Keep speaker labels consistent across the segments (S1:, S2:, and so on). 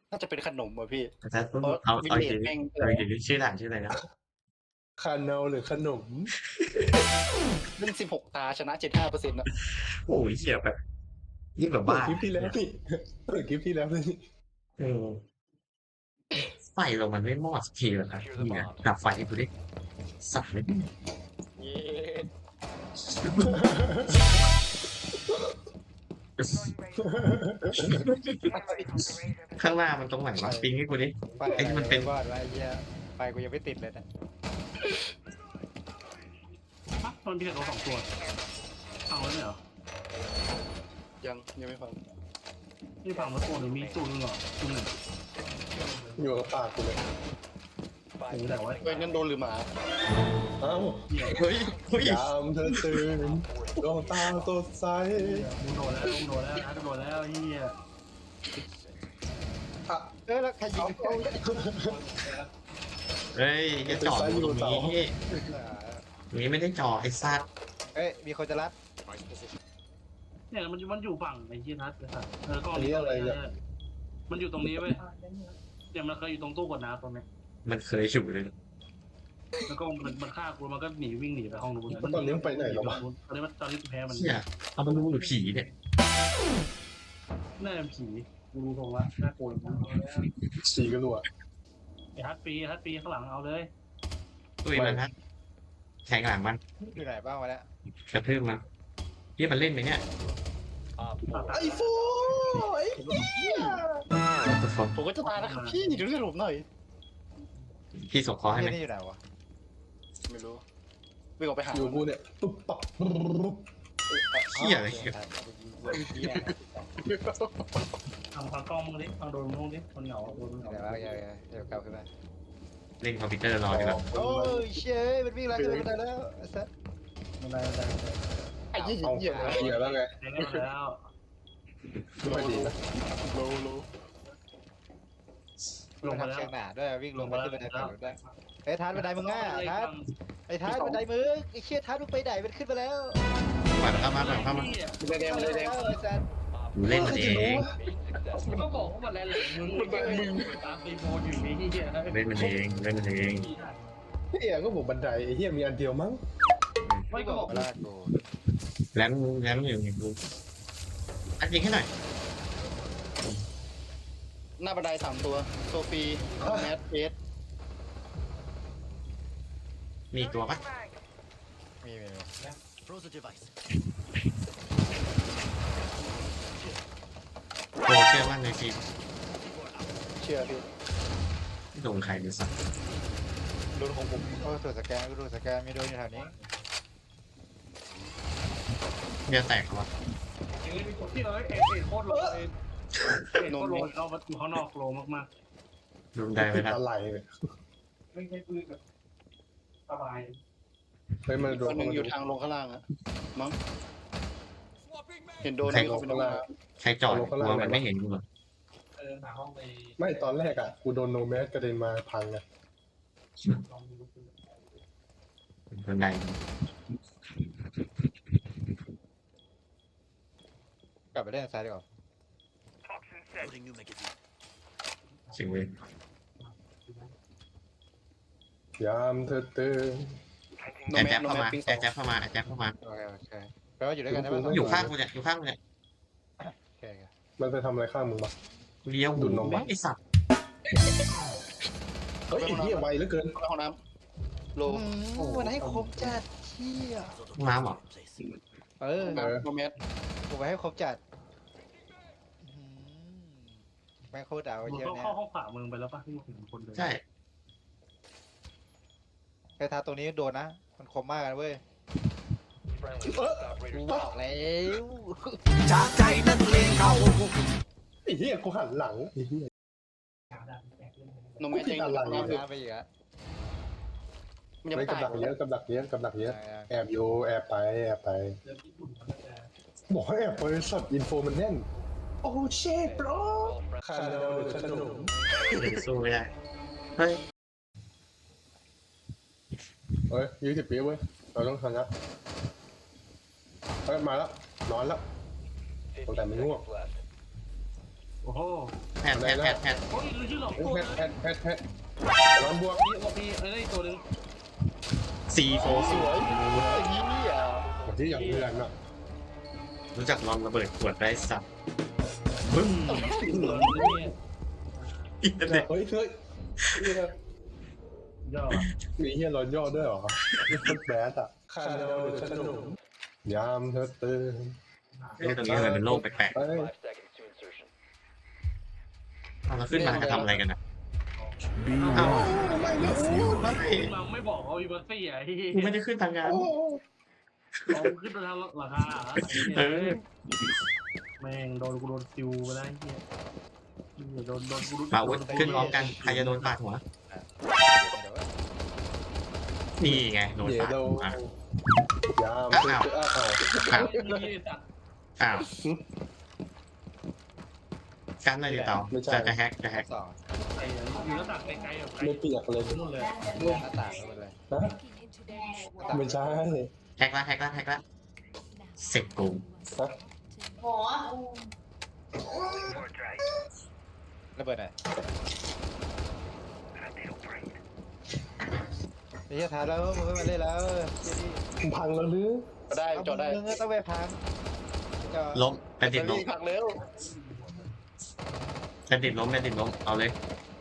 S1: น่าจะเป็นขนมอ่ะพี่
S2: อาจารย์
S1: เพราะ
S2: เอา
S1: วิ
S2: เอาอีกที
S1: ลเลจแม่ง
S2: เอาอีกทีชื่อหนังชื่ออะไรนะ
S3: คาเนลหรือขนม
S1: เล่น16 ตาชนะ75%นะ
S2: โอ้ยเหี้ยแบบยิ่งแบบ
S3: เปิด
S2: บ้า
S3: คลิปที่แล้วนี่เปิดคลิปที่แล้วนี่
S2: เออไฟเรามันไม่มอดสักทีเหรอครับนี่ไงดับไฟให้กูดิสัตว์เลย
S1: เย้
S2: ข้างหน้ามันตรงไหนวะปิงให้กูดิ ไอ้ที่มันเป็น
S4: วาดไว้ไอ้เหี้ยไฟกูยังไม่ติดเลยนะ
S5: ฮะมันมีแต่ตัวสองตัวฟังไว้ไหมเหรอ
S1: ยังไม่ฟัง
S5: นี่ฟังมาตัวหรือมีตัวนึงเหรอตัวหนึ่ง
S3: อยู่กับปากกูเลย
S5: โอ้โหแต่ว่า
S1: เฮ้ยนั่นโดนหรือหมา
S3: เอ้า
S2: เฮ้ยเฮ้ย
S3: ยามเธอตื่นดวงตาสดใส
S5: มึงโดนแล้วมึงโดนแล้วนะโดนแล้วเฮีย
S4: แล้วใครยิง
S2: เฮ้ยจะจอดอยู่ตรงนี้นี่ไม่ได้จอดไอ้สัตว์
S4: เอ้ยมีคนจะรัด
S5: เนี่ยมันอยู่ฝั่งไอ้เฮียนัทไอ้สัตว์ก็
S3: อันนี้อะไรเนี่ย
S5: มันอยู่ตรงนี้เว้ยเนี่ยมันเคยอยู่ตรงตู้กดน้ำตรงนี้
S2: มันเคยฉุเลย
S5: แล้วก็มันฆ่ากูมันก็หนีวิ่งหนีไปห้องนู้น
S3: ตอนนี้มันไปไหนแล้ววะ
S5: ตอนนี้กูแพ้มัน
S2: เหี้ยเอามาดูหรือผีเนี่ย
S5: น่าจะผีกูรู้ตรงละน่ากลัว
S3: สีกันหัว
S5: ไอ้ฮัตปีข้างหลังเอาเลย
S2: ตุ้ยมันฮะแข่งหลังมัน
S4: อยู่ไหนบ้างวะเนี่ย
S2: กระทืบมันพี่มันเล่นไหมเนี่ย
S3: ไอ้ฟูไอ้
S2: ตัวฟอน
S1: ผมก็จะตายนะครับพี่ดูเรื่องผมหน่อย
S2: พี่ส่งคอให้ไหม
S4: นี่อยู่ไหนวะ
S1: ไม่รู้วิ่งออกไปหา
S3: อยู่กูเนี่ยตุ๊บปับปุ๊บ
S2: เหี้ยอะไรเหี้ย
S5: ทางกล้องมึงดิทางโดนมึงดิคนเหงาโดนมึงเหงา
S4: เดี๋ยวเดี๋ยวกลับขึ้นมา
S2: เล่นคอมพิวเตอร์รอดีกว่า
S4: โอ้ยเชยมันวิ่งไล่ขึ้นไปแล้วไอ้สัส
S5: มันได้
S1: ไอ้ยี่
S3: เอา
S1: เหี้ย
S3: เหี้ยแล้วไง
S5: ได้แล้ว
S3: ไม่ดีนะ
S1: โล
S4: ลงมาทำเชียงหนาด้วยวิ่งลงมาขึ้นบันไดฝั่งนู้นด้วยไอ้ทันบันไดมึงง่าทันไอ้ทันบันไดมึงไอ้เชี่ยทันมึงไปไหนมันขึ้นมาแล้ว
S2: ปล่อยมันเข้ามาปล่อยมันเข้ามา
S1: เลยแดงเลยแดง
S4: ไอ้สัส
S2: กูเล่นมันเอง
S5: มันก็บอกว่ามันแรงมึงตามตีโมอยู่นี่เฮีย
S2: เล่นมันเองเล่นมันเอง
S3: เหี้ยก็บอกบันไดไอ้เหี้ยมีอันเดียวมั้ง
S5: ไม่ก็บอก
S4: ลากกู
S2: แรมอยู่อย่างกูอันยิงให้หน่อย
S1: หน้าบันได3 ตัวโซฟีแมทเอส
S2: มีตัวปะ
S4: มี
S2: โอ้เชื่อมั่นในทีม
S1: เชื่อพี่
S2: ที่โดนใครดูสัก
S1: โดนของผม
S4: โอ้ตัวสแกนกูดูสแกนมีโดนอยู่แถวนี้
S2: เนี่ยแตกวะ
S5: ที่เราเอ็ดโคตรโลเอ็ดโคตรโลเราอยู่ข้างนอกโลมาก
S2: ดูได้ไหมครับ
S3: อะไรเนี่ย
S5: ๆไม่ใช่ปืนแบบสบาย
S3: เฮ้ยมันโด
S1: ตัวน หนึ่งอยู่ทางลงข้างล่างอะมั้งเห็นโดน
S3: ใคร
S1: วิ่ง
S3: ล
S1: เข้าง ไปใน
S3: ข้าง
S1: ห้
S3: ล่าง
S1: อง
S2: ใครจอดกลัวมันไม่เห็นกูเหรอ
S5: หาห้องไป
S3: ไม่ตอนแรกอ่ะกูโดนโนแมสกระเด็นมาพังไง
S5: ลองดู
S2: คนใด
S4: กลับไปเล่นซ้ายดีกว่า
S2: สิ่งเว้ย
S3: ยามเธอตื่น
S1: โน
S2: แจ๊
S1: แม
S2: บ
S1: ส
S2: เข้ามา
S1: ปิง
S2: แจ๊บเข้ามาแจ๊บเข้ามา
S4: โอเคแปลว่าอยู่ด้วยกันได้ไหม
S2: อยู่ข้างกูเนี่ยอยู่ข้างกูเนี่ย
S4: โอเค
S3: มันไปทำอะไรข้างมึงวะ
S2: เลี้ยว
S3: ดูดนม
S2: ไอ้สัตว์
S3: เฮ้ยไอ้เหี้ยไวเหลือเกิน
S1: ห้องน้ำโล
S4: มันให้ครบจัดเชี่ย
S2: น้ำเหรอ
S4: เออ
S1: โนแมส
S4: กูไปให้ครบจัดแม่งโคตรดาว
S5: มึง
S4: เชี่ย
S5: ต้อง
S4: เนี่ย
S5: เข้าห้องขวามึงไปแล้วป่ะที่มึงเห็นคนเดิน
S2: ใช่
S4: ไอ้ทาตรงนี้โดนนะ มันคมมากกันเว้ยกูบอกแล้ว
S3: ไอ้เหี้ยกูหันหลังไอ้เหี้ย
S1: โนแมสยังอยู่
S3: อะไร
S1: ข้างล่างอยู่
S4: น้ำไปอีกอะ
S1: มันยัง
S3: ไม่
S1: ไม่
S3: กำ
S1: ตาย
S3: ลังเยอะกำลังเยอะกำลังเยอะแอบอยู่แอบไปแอบไปบอกให้แอบไปสัตว์อินโฟมันแน่นโอ้เชฟบรอคาราเมลหรือขนม
S2: เดี๋ยวสู้ไม่ได้เฮ้ย
S3: เฮ้ย20 ปีเว้ยเราต้องชนะเฮ้ยมาแล้วนอนแล้วแต่ไม่ง่วง
S2: โอ้
S5: อ้โห
S2: แพทแพท
S5: โอ้ยรู้ชื่อหรอก
S3: เฮ้ย
S5: ตัว
S3: แพทร้อนบวก
S5: พี่โอพีอะไรตัวนึง
S2: C4
S1: สวยไอ้ยี่อ่ะ
S3: คนที่อย่างเพื่อนอ่ะ
S2: รู้จักลองระเบิดขวดได้สับบึ้มอินเทอร์เน็ต
S3: เฮ้ยเฮีย
S5: ยอด
S3: มีเฮียร้อนย่อด้วยเหรอนี่โคตรแบดอ่ะข้าเดาฉันหนุ่มยามเธอตื่น
S2: โลกตรงนี้ทำไมเป็นโลกแปลก
S3: เฮ้ย
S2: ๆเราขึ้นมาจะทำอะไรกันอ่ะ
S5: อ้า
S2: อ้าว ว
S3: ไม่ไม่ไม่
S5: เราไม่บอกเขาอีบัสซี่อ่ะที่
S2: กูไม่ได้ขึ้นทางงาน
S5: เขาขึ้นทางราคาแม่งโดนกูโดนซิวไปได้เฮียโดนกู
S2: มาวุฒขึ้นพร้อมกันใครจะโดนปาดหัวนี่ไงโดน
S3: เย
S2: ปาด
S3: โด
S2: หัวย
S3: ามเธอตื่นอ้าว
S5: นี่สัตว์
S2: อ้าวกันอะไรดิเตาจะแฮกจะแฮก
S4: สอง
S5: ไอ้อยู่แล้วตักไกลๆแบบไกล
S3: ไม่เปียกเลย
S5: นู่นเลย
S4: หน้าต่างไม่เป็นไร
S3: นะไม่ใช่
S2: แฮกละเสร็จกู
S6: หมอ
S4: ระเบิดหน่อยไอ้เหี้ยท้าแล้วมึงไม่มาเล่นแล้วเจนี่
S3: พังแล้วหรือ
S1: ได้จอดได้
S4: มึงก็ต้องไปพังจะ
S2: ล้มแบนดิตล้ม
S1: พักเร็ว
S2: แบนดิตล้มเอาเลย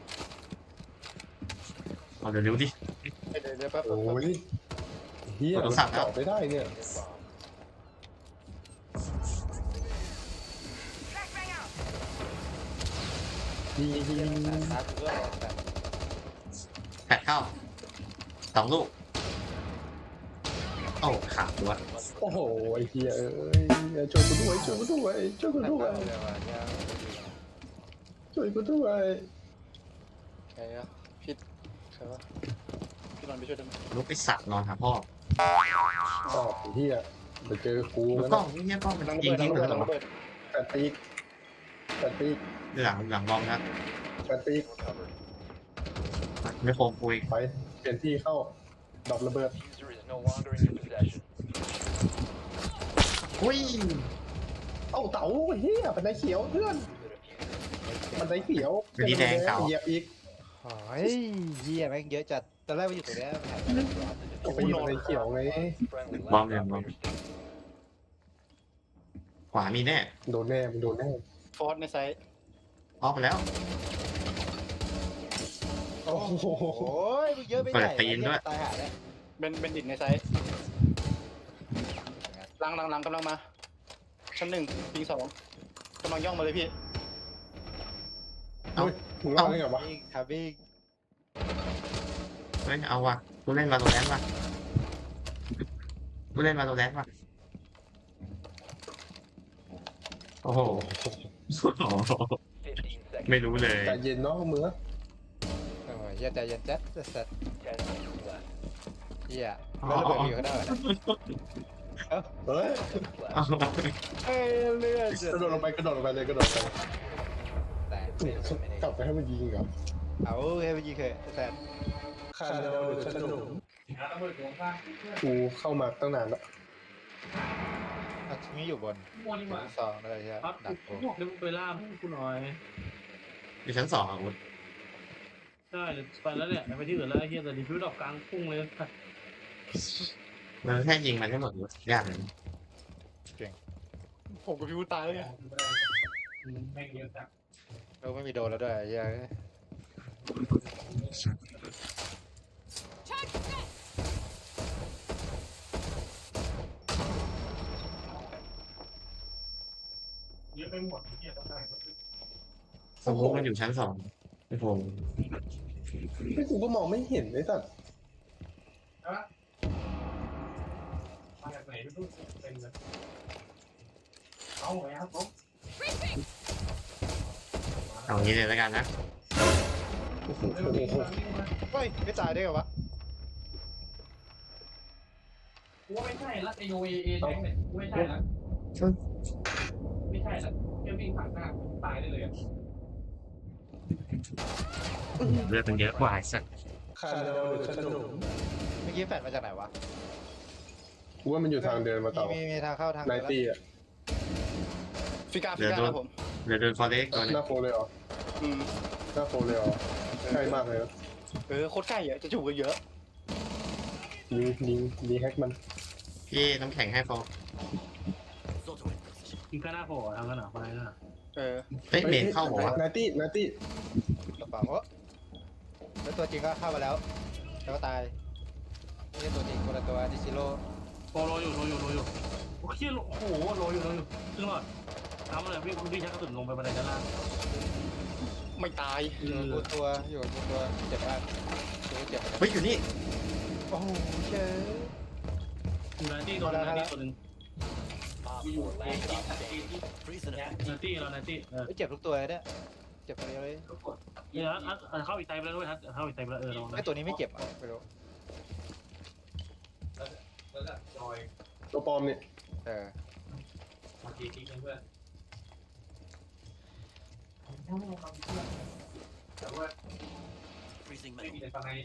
S2: เอาเร็วๆดิ
S1: เดี๋ยวแป๊บ
S3: โอ้ยเฮียจอดไม่ได้เนี่ยยิง
S4: ท้ากูด้วยแต่
S2: แปดเข้า2 ลูกโอ้ขาดด้วย
S3: โอ้โหไอ้เฮียเอ้ยช่วยกูด้วยช่วยกูด้วยช่วยกูด้วย
S4: เดี๋ยวมาเนี่ย
S3: ช่วยกูด้วย
S1: ใครอะพี่ใครวะพี่นอนไปช่วยได้ไหม
S2: ลูกไอสัตว์นอนหาพ่อ
S3: อ๋อไอ้เฮียไปเจอกู
S2: ลูก
S3: แล้ว
S2: กล้องนี่กล้องมัน
S1: นั่ง
S2: ยิง
S1: เบิด
S2: ทิ้
S1: นั่
S2: ง
S1: ง
S2: หม
S1: เบิ
S2: ด
S1: ด
S2: แล้
S1: นั่
S2: ว
S1: งเบิด
S3: แปดปีก
S2: หลังบอมครับ
S3: แปดปีก
S2: ไม่โคมคุย
S3: ไปเปลี่ยนที่เข้าดรอประเบิด
S2: อุ้ย
S3: เอ้าเต๋าเฮียบันไดเขียวเพื่อนบันไดเขียวเหยียบอีก
S4: โอ้ยเหี้ยแม่งเยอะจัดตอนแรกมันอยู่ตรงเนี้ย
S3: ไปยิงบันไดเขียวไง
S2: บอมเลยบอมขวามีแน่
S3: โดนแน่มันโดนแน่
S1: ฟอสในไซส์
S2: ออกไปแล้ว
S3: โอ้โห
S4: โอ้ยมึงเยอะไปไหนตายหาเลย
S1: เป็นดินในไซส์หลังกำลังมาชั้น1ปิง2กำลังย่องมาเลยพี่
S3: เฮ้ยมึงรอดได้ไงวะ
S4: วิ่งครับวิ่ง
S2: เฮ้ยเอาว่ะกูเล่นมาโลแลนด์ว่ะโอ้โหไม่รู้เลย
S3: ใจเย็นเนาะมือ
S4: โอ้ยใจเย็นแจ๊ดสัตว์เหี้ยแล้วระเบิดอยู่ข้างหน้า
S3: เฮ้ย
S4: เอ้ยเลือด
S3: กระโดดลงไปเลยกระโดดไป
S4: แต่
S3: กลับไปให้มันยิงครับ
S4: เอาให้ไปยิงเคยแต่
S3: ข้าเดาฉันหนุ่ม
S5: ระเบิดหัวข้าง
S3: กูเข้ามาตั้งนานแล้ว
S4: มีอยู่บน
S5: มั่วนี่หว่า
S4: สองอะไรใช่ไหม
S5: ครับ
S4: ดัก
S5: กูบอกเดี๋ยวมึงไปล่ากูหน่อย
S2: อยู่ชั้น 2อ่ะคุณ
S5: ได้ไปแล้วเนี่ยไปที่อื่นแล้วไอ้เฮียแต่ดิฟิวดอกกลางพุ่งเลย
S2: มันแค่ยิงมันให้หมดยากเลย
S1: ผมกับพี่วูตายแล้วไง
S5: แม่งเยอะจัง
S4: ไม่มีโดนแล้วด้วยเหี้ย
S5: เยอะไปหมดเฮียต้องได้
S2: สมมติมันอยู่ชั้น 2โอ้โห
S3: ไม่กูก็มองไม่เห็นไอ้สัตว์
S5: มาจากไหนไม่รู้เป็นเลยเอาไงครับผม
S2: เอางี้เลยแล้วกันนะ
S3: โอ้โห
S4: เฮ้ยไม่ตายได้เหรอวะ
S5: กูว่าไม่ใช่ละไอโอเอแบงค์เนี่ยกูไม่ใช่ละไม่ใช่ละแค่วิ่งผ่านหน้าตายได้เลยอ่ะ
S2: เลือดมันเยอะกว่าสัก
S3: ข้าเดาฉันหนุ่ม
S4: เมื่อกี้แฟดมาจากไหนวะ
S3: กูว่ามันอยู่ทางเดินมาต่อ
S4: มีทางเข้าทาง
S3: ไนตี้อ่ะ
S1: ฟิกานะผม
S2: เดี๋ยวโดนฟอร์เรสตัว
S3: ห
S2: นึง
S3: น้าโฟเลยเหรอ
S1: อืม
S3: หน้าโฟเลยเหรอใกล้มากเลยนะ
S1: โคตรใกล้อะจะจูบกันเยอะ
S3: ยิงแฮกมัน
S2: พี่น้ำแข็งให้ฟอร์
S5: กินข้าวหน้าโผล่ทำกันหนาไปน่ะ
S1: เออ
S2: เฮ้ยเมนเข้าหัว
S3: นาตี้
S4: กระเป๋าแล้วตัวจริงก็เข้ามาแล้วแล้วก็ตายไม่ใช่ตัวจริงคนละตัวดิซิโร่
S5: โรอยู่โอ้ยโอ้โหโรอยู่ซึ่งหลอดทำอะไรพี่ชักกระสุนลงไปบันไดด้านล่าง
S1: ไม่ตาย
S4: อยู่บนตัวเจ็บมากเจ็บ
S2: เฮ้ยอยู่นี่
S4: โอ้โหเชย
S5: อยู่นาตี้ตัวนึงตัวนึงนาตี้เรานาตี้
S4: เจ็บทุกตัวเลยเนี่ยเจ็บตัวเดียวเลย
S5: เนี่ยเข้าอีกไตไปแล้วด้วยทัดเข้าอีกไตไปแล้วลองนะ
S4: ไอตัวนี้ไม่เจ็บอ่ะไม่รู้
S3: ตัวปลอมนี่
S5: มาทีทิ้งเพื่อนแต่ว่าไม่มีแต่ฟังไง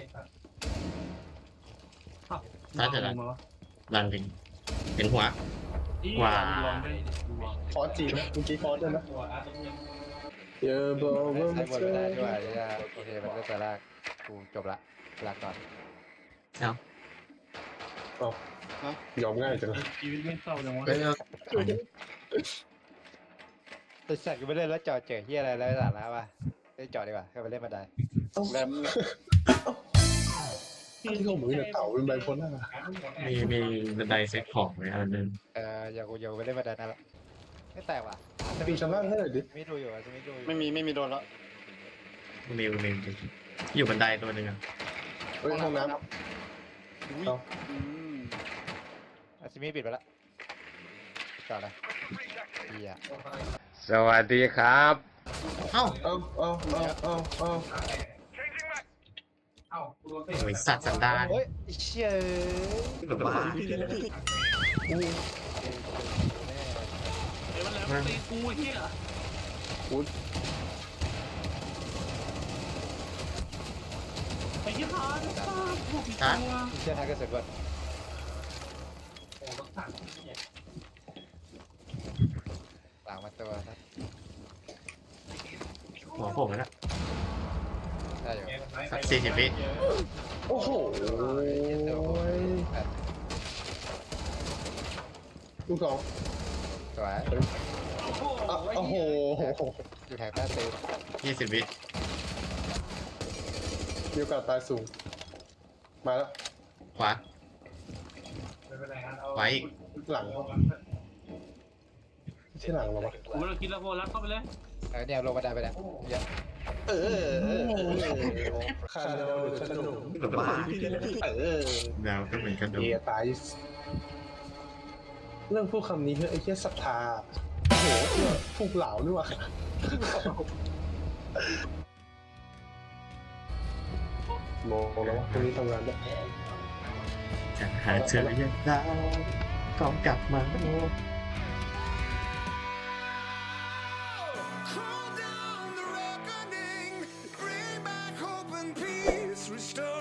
S2: รันถึงเห็นหัว
S3: คอร์สจีนนะเมื่อกี้คอร์สด้วยนะเยอะบอกว่า
S4: ใช้บนไม่ได้ด้วยโอเคมันก็จะลากกูจบละลาก่อน
S3: ยอมง่ายจัง
S5: ชีวิตไม่เศร้าจังวะ
S2: เฮ้ย
S4: ตัวสัตว์ก็ไม่เล่นแล้วจอดเจอเฮียอะไรแล้วสาระป่ะเล่นจอดดีกว่าเข้าไปเล่นบันได
S1: แรม
S3: ที่เขาเหมือนเนี่ยเต่าเป็นไบโพล่า
S2: มีบันไดเซ็ตของไว้อันนึง
S4: อย่าไปเล่นบันไดนั่นละไม่แตกว่ะ
S3: ปีชั้นล่างให้หน่อยดิ
S4: ไม่ดูอยู่จะไม่ดูอยู่
S1: ไม่มีโดนแล้ว
S2: มิวอยู่บันไดตัวนึงอ่ะ
S3: เฮ้ยห้องน้
S4: อาซิมิปิดไปละจอดเลยเฮีย
S7: สวัสดีครับ
S2: เอ้า
S3: ำเอา
S5: เอ้ากูโดนเตะ
S2: โอ้ยสัตว์สันดาน
S4: โอ้ยเชี่ย
S2: บ้า
S5: เดี๋ยวมันแล้วตีกูเฮียไอ้ยี่ห้อพวกพี่ตัว
S4: เชี่ยทางกระสุนก่อน
S5: โอ้ต้องสั่งเนี่ย
S4: หลังมาตัวนะ
S2: หัวผมแล้ว
S4: ได้อยู่
S2: สัก40 วิ
S3: โอ้โหลูกสอง
S4: สวย
S3: โอ้โห
S4: อยู่แถบหน้าเซฟ
S2: 20 วิ
S3: มีโอกาสตายสูงมาแล้ว
S2: ขวาไว้
S3: หลังไม่ใช่หลังหรอวะ
S5: กูเราคิดแล้วโบลักเข้าไปเลย
S4: เนี่ยลงบันไดไปแล้วเยอะ
S3: ข้าเดาหรือขนม
S2: บ้าดาวก็เหมือนกันดู
S3: เฮียตายเรื่องพูดคำนี้เฮ้ยไอ้เหี้ยศรัทธาโอ้โหผูกเหลาด้วยว่ะโมแล้ววะพรุ่งนี้ทำงานด้วย
S2: จะหาเธอยังได้ก็กลับมา
S8: Call down the reckoning, bring back hope and peace, restore